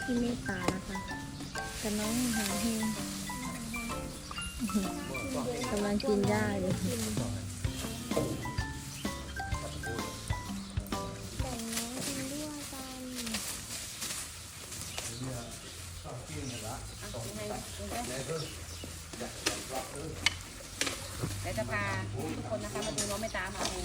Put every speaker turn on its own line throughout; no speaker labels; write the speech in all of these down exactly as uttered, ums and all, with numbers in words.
พี่เมตตานะคะกับน้องหาเฮงกำลังกินหญ้าอยู่
เดี๋ยวจะพาทุกคนนะคะมาดูน้องไม่ตามมาดู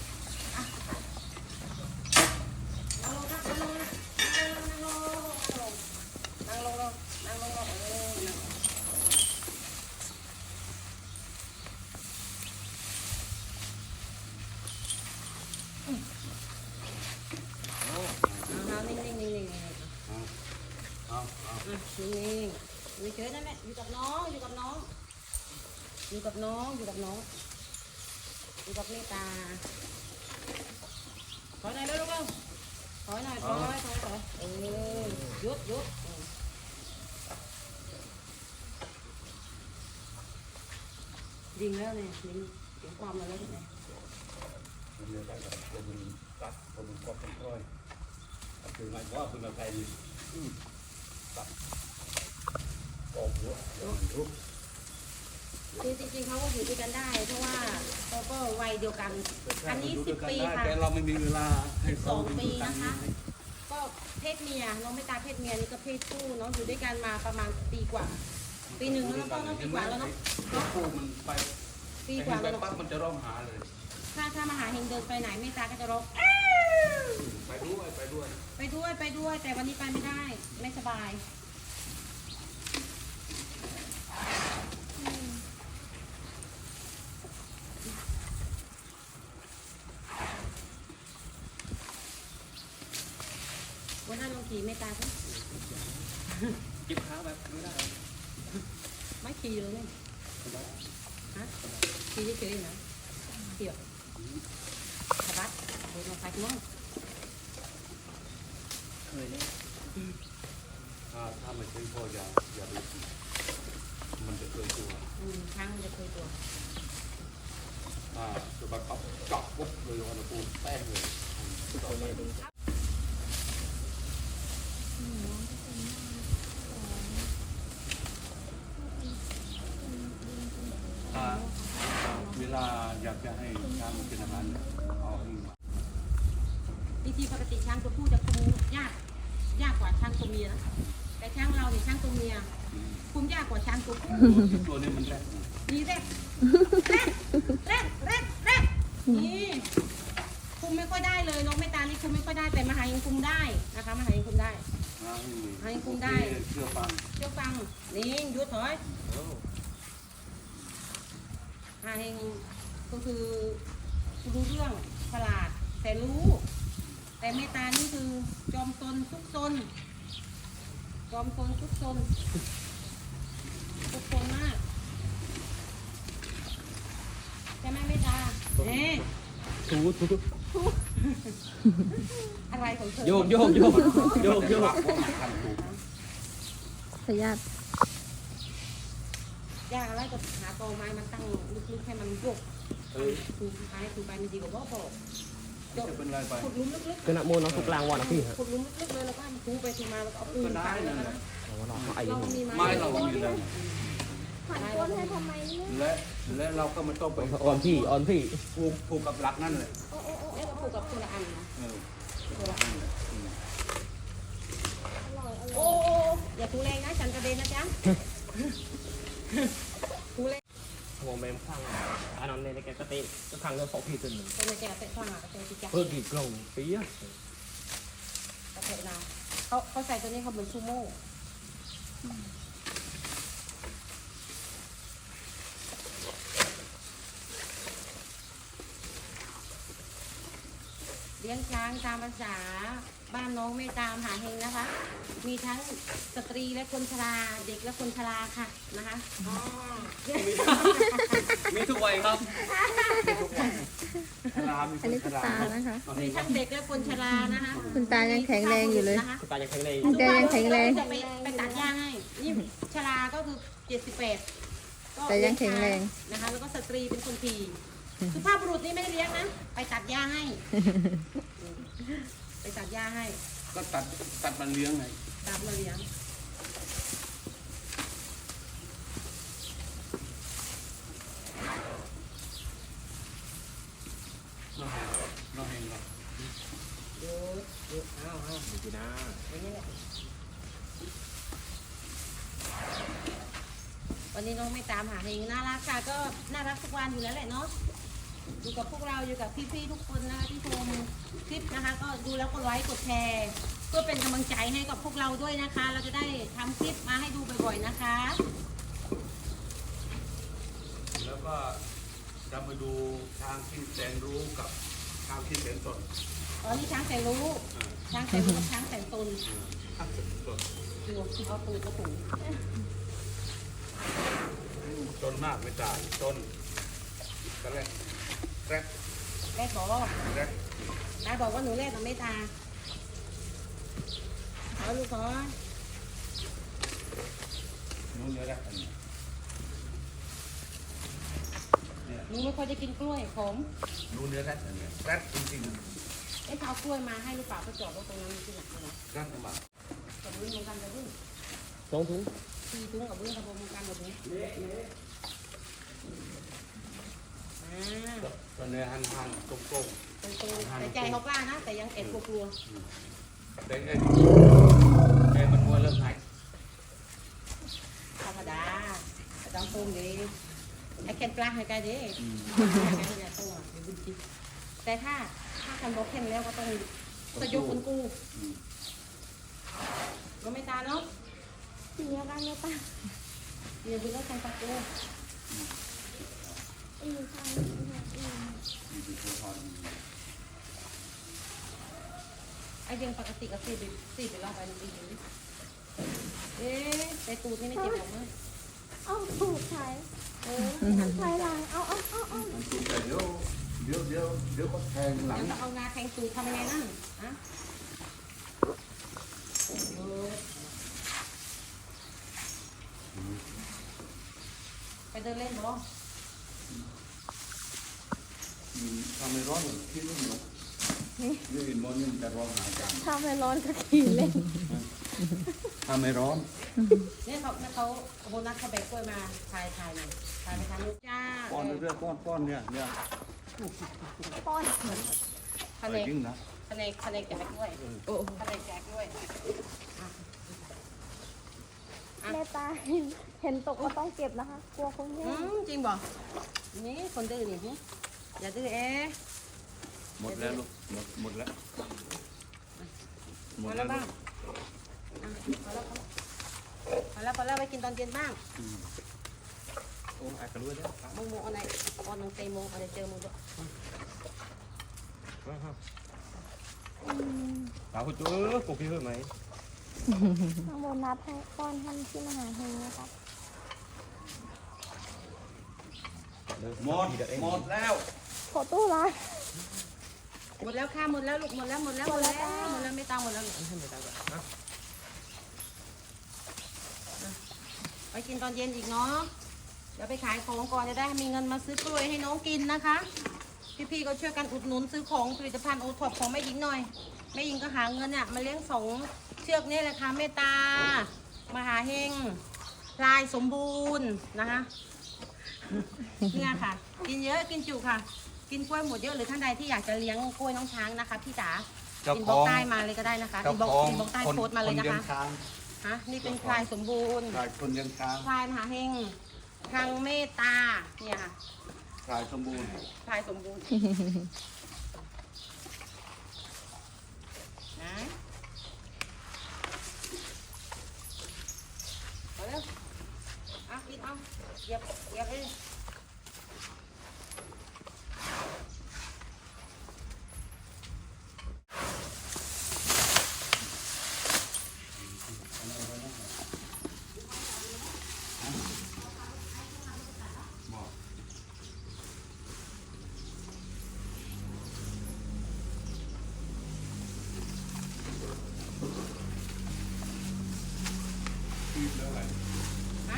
นั่งลงครับนั่งลงนั่งลงนั่งลงนั่งลงนั่งลงเออเอานิ่งนิ่งนิ่งนิ่งเอาเอานิ่งนิ่งเฉยนั่นแหละอยู่กับน้องอยู่กับน้องอยู่กับน้องอยู่กับน้องอยู่กับเมตตาถอยหน่อยลูกเอ้าถอยหน่อยถอยถอยถอยเออหยุดหยุดยิงแล้วเนี่ยยิงเสียงความมาแล้วที่ไหน
ผมจะได้แบบผมตัดผมก็เป็นร้อยคือหมายว่าเป็นอะไรตัดออกหัวทุก
คือจริงๆเขาก็อยู่ด้วยกันได้เพราะว่าเขาก็วัยเดียวกันอันนี้สิบปีค่ะ
แต่เราไม่มีเวลาให้
สองปีนะคะก็เพศเมียน้องไม่ตาเพศเมียนี่ก็เพศผู้น้องอยู่ด้วยกันมาประมาณปีกว่าปีหนึ่งแล้วน้องน้องปีกว่าแล้วเนาะ
คู่มันไป
ปีกว่าแล้ว
ปั๊บมันจะร้องหาเลย
ถ้าถ้ามาหาเฮงเดินไปไหนเมตตาก็จะร้อง
ไปด้วยไปด้วย
ไปด้วยไปด้วยแต่วันนี้ไปไม่ได้ไม่สบายวันนั้นลงขี่เมตตาสิ
จิบขาแบบไม่ได้
ไม่ขี่เลยเนี่ยฮะขี่เฉยๆนะเกี่ยวสะบัดโดนมาไฟมั้ง
เคยเนี่ยถ้าถ้าไม่ใช่พ่ออย่าอย่าดูมันจะเคยตัว
อืมช้างมันจะเคยตัว
อ่าจะมาขับจับปุ๊บเลยวันละปูแป้งเลยเวลาอยากจะให้ช้างมันเป็นอาหารเอาให้
จริงๆปกติช้างตัวผู้จะคุมยากยากกว่าช้างตัวเมียนะแต่ช้างเราเนี่ยช้างตัวเมียคุมยากกว่าช้างตัวผู้
ตัวนี้มันแรก
นี่แรกแรกแรกแรกแรกนี่คุมไม่ค่อยได้เลยน้องไม่ตานี่คุมไม่ค่อยได้แต่มหายังคุมได้นะคะมหายังคุมได้มหายังคุมได้
เชื่อฟัง
เชื่อฟังนี่หยุดถอยมหายังก็คือรู้เรื่องฉลาดแต่รู้แต่เมตตานี่คือจอมซนทุกซนจอมซนทุกซนทุกซนมากใช่ไหมเมตตาเอ๊ะ
ถูถูถู
อะไรของเธอ
โยกโยกโยกโยกโยก
พยาธิ
ยากอะไรก็หาตอไม้มาตั้งลึกๆให้มันโยกถูกท้ายถูกไปมันดีกว่าบ่บอก
จะเป็นไรไป
ขุดลุ่มลึกๆ
คือนักมวยน้องทุกกลางวันนะพี่ฮะ
ขุดลุ่มลึกๆเลยแล้วก็ถูไปถูมาแล้วก็เอาปืนฟังแล้วนะ
เรามีไม้เรามีแล้ว
ผ่านก้นให้ทำไมเนี่ย
และและเราก็ไม่ต้องไป
อ่อนพี่อ่อนพี่
ผูกผูกกับหลักนั่นเลย
โอ้โอ้โอ้แล้วก็ผูกกับคนละอันนะคนละอันโอ้อย่าถูแรงนะฉันกระเด็นนะจ๊ะถูแรง
มองแมงข้างอันนั้นในแกกระเตะก็ข้างเรื่องของพี่ตัวหนึ่ง
เป็นแกเตะข้างอ่ะเตะที่จับ
เพิ่มกี่กล่องปีอะ
กระเตะนาเขาเขาใส่ตัวนี้เขาเหมือนซูโม่เลี้ยงช้างตามภาษาบ้านน้องไม่ตามหาเฮงนะคะมีทั้งสตรีและคนชราเด็กและคนชราค่ะนะคะ
มีทุกวัยครับมีทุกวัย
อันนี้คุณตานะคะ
มีทั้งเด็กและคนชรานะคะ
คุณตายังแข็งแรงอยู่เลย
คุณตายังแข็งแรง
คุณตายังแข็งแรง
จะไปไปตัดหญ้าให้นี่ชราก็คือเจ็ดสิบแปด
แต่ยังแข็งแรง
นะคะแล้วก็สตรีเป็นคนทีคือภาพบุรุษนี่ไม่ได้เลี้ยงนะไปตัดหญ้าให้ไปตัดหญ้าให้
ก็ตัดตัดมันเลี้ยงไง
ตามมาเลี้ยง
น้องแหงน้องแหงเนาะ
เยอะเยอะอ้าวอ้าว
ดูนะ
วันนี้แหละวันนี้น้องไม่ตามหาเองน่ารักค่ะก็น่ารักทุกวันอยู่แล้วแหละเนาะอยู่กับพวกเราอยู่กับพี่ๆทุกคนนะคะที่ชมคลิปนะคะ ก็ดูแล้วก็ไลค์กดแชร์เพื่อเป็นกำลังใจให้กับพวกเราด้วยนะคะ เราจะได้ทำคลิปมาให้ดูบ่อยๆนะคะ
แล้วก็จะมาดูช้างที่แสนรู้กับช้างที่แสนสน
อ๋อนี่ช้างแสนรู้ช้างแสนรู้กับช้างแสนตน
ช้างแสนสน
ดูเอาตูดกระปุก
จนมากไม่ตายจนก็แรกแรก
แม่บอก
แรก
ตาบอกว่าหนูแรกกับไม่ตาเอาลูกขอ
นู้นเนื้อแรกอันนี้เนี่ย
หนูไม่ค่อยจะกินกล้วยขม
นู้นเนื้อแรกอันนี้แรกจริง
ไอ้เขาเอากล้วยมาให้หรือเปล่าก็จอดรถตรงนั้นที่หลังเลย
ๆแรกมาก
กับวุ้นเหมือนกันกับวุ้น
สองถุง
ตีตุ้งกับวุ้นกับผมเหมือนกันกับวุ้นอ่า
ตอนนี้หันหันตรงตรง
ตรงๆแต่ใจเขากล้านะ แต่ยังแอบกลัว
ๆแต่เอ็นเอ็นมันมัวเริ่มหาย
ๆธรรมดาแต่ต้องตรงดีไอ้แคนปลาให้กันดิแคนอย่าตรงอ่ะเดี๋ยวบุญจิแต่ถ้าถ้าคันบอกแค่แล้วก็ต้องสยบคนกูก็ไม่ตาเนาะ
เสียกันเลยป่ะ
เดี๋ยวบุญแล้วคันปลากู
อือใช่
มีเป็นตัวทอน
ไอ้ยังปกติก็สี่ไปสี่ไปรอบไปนึงอีกนิดเอ๊ะแต่ตูดนี่ไม่เจ็บหรอกมั้ง
เอาถูกใช้เออใช้หลังเอาเอาเอาเอา
มันสูงแต่เดี๋ยวเดี๋ยวเดี๋ยวเดี๋ยวก็แทงหลัง
เดี๋ยวจะเอางาแทงตูดทำยังไงนั่นฮะเออไปเดินเล่นบ่
ทำให้ร้อนที่นู่นเนาะนี่อินมอนนี่มันจะร้อนหายกัน
ทำให้ร้อนก็ขี่เล่น
ทำให้ร้อน
เนี่ยเขาเนี่ยเขาโบนัสเขาแบกกล้วยมาถ่ายถ่ายหน่อยถ่ายไปทางลูกจ้า
ก้อนเรื่อยๆก้อนก้อนเนี่ยเนี่ย
ป้อน
แผ
อะไร
นก
จริงนะ
แผนกแผนกแจกกล้วยโอ้แผนกแจกกล้วยอ่ะ
แม่ตาเห็นเห็นตกก็ต้องเก็บนะคะ กลัวคงแย่
อืมจริงบ่นี่คนดื้อนี่หึอย่าดื้อเอ๊ะ
หมดแล้วลูกหมดหมดแล้วหม
พ
ด
อ
แล้
แล้ว ว
ลู
บ้าง
ก
พอแล้วพอแล้วพอแล้วไปกินตอนเย็นบ้าง
โอ้อาจจะรู้แล้ว
โมโมอะไรออนน้องเตยโมอะไรเจอโมด้วย
สาวคุณจู๊ปลูกพี่เพิ่มไหม
ข้างบนนัดให้ป้อนท่านที่มหาเฮงนะคะ
หมดหมดแล้ว
ขอตู้ละ
หมดแล้วค่ะหมดแล้วลูกหมดแล้วหมดแล้วหมดแล้วหมดแล้วไม่ตามหมดแล้วลูก
ให้ไม่ตามแบบนะ
ไปกินตอนเย็นอีกเนาะเดี๋ยวไปขายของก่อนจะได้มีเงินมาซื้อกล้วยให้น้องกินนะคะ พี่ๆก็ช่วยกันอุดหนุนซื้อของผลิตภัณฑ์โอท็อปของแม่หญิงหน่อยแม่หญิงก็หาเงินเนี่ยมาเลี้ยงสองเชือกนี่แหละค่ะเมตตามหาเฮงพลายสมบูรณ์นะคะเนี่ยค่ะ กินเยอะกินจุค่ะ กินกล้วยหมดเยอะหรือท่านใดที่อยากจะเลี้ยงกล้วยน้องช้างนะคะพี่จ๋าอินบ็อกซ์ใต้มาเลยก็ได้นะคะอินบ็อกซ์อินบ็อกซ์ใต้โพสต์มาเลยนะคะฮะนี่เป็นพลายสมบูรณ์
กายคนยังช้าง
พลายมหาเฮงทางเมตตาเนี่ยค่ะ
กายสมบูรณ์
พลายสมบูรณ์นะเอาเร็วเอากินเอาเหยียบเหยียบเองฮะ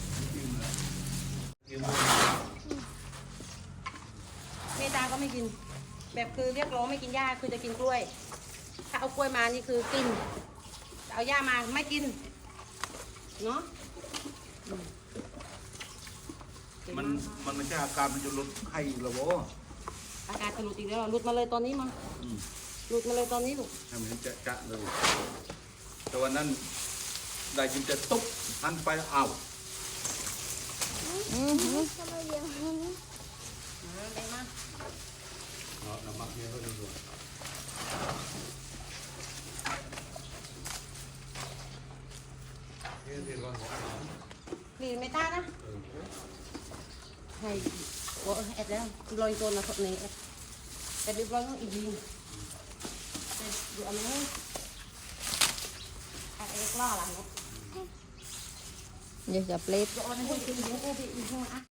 เมตาก็ไม่กิน แบบคือเรียกร้องไม่กินหญ้าคือจะกินกล้วย ถ้าเอากล้วยมานี่คือกิน แต่เอาย่ามาไม่กินเนาะ
มันมันไม่ใช่อาการมันจะลดไข้หรอวะ
อาการจะหลุดอีกแล้วหลุดมาเลยตอนนี้มา
อืม
หลุดมาเลยตอนนี้ลูก
ทำเห็นจะจะเลย แต่วันนั้นได้ยินจะตุ๊บหันไปอ้าว
อือหือทำไมเดี๋ยวนี้
มาได้มา
เอาน้ำมันเนี่ยเขาดูดูเฮ้ยเดี๋ยวก่อน
คลีนไม่ต้านะให้โอ้เอ็ดแล้วลอยตัวนะคนนี้แต่ดูลอยต้องอีกทีดูอันนี้อันเอ็กล่อหลังเนาะ
อย่าจับเล็บ
ดูอันนี้ให้กินเยอะเอ็ดอีกทีอ่ะ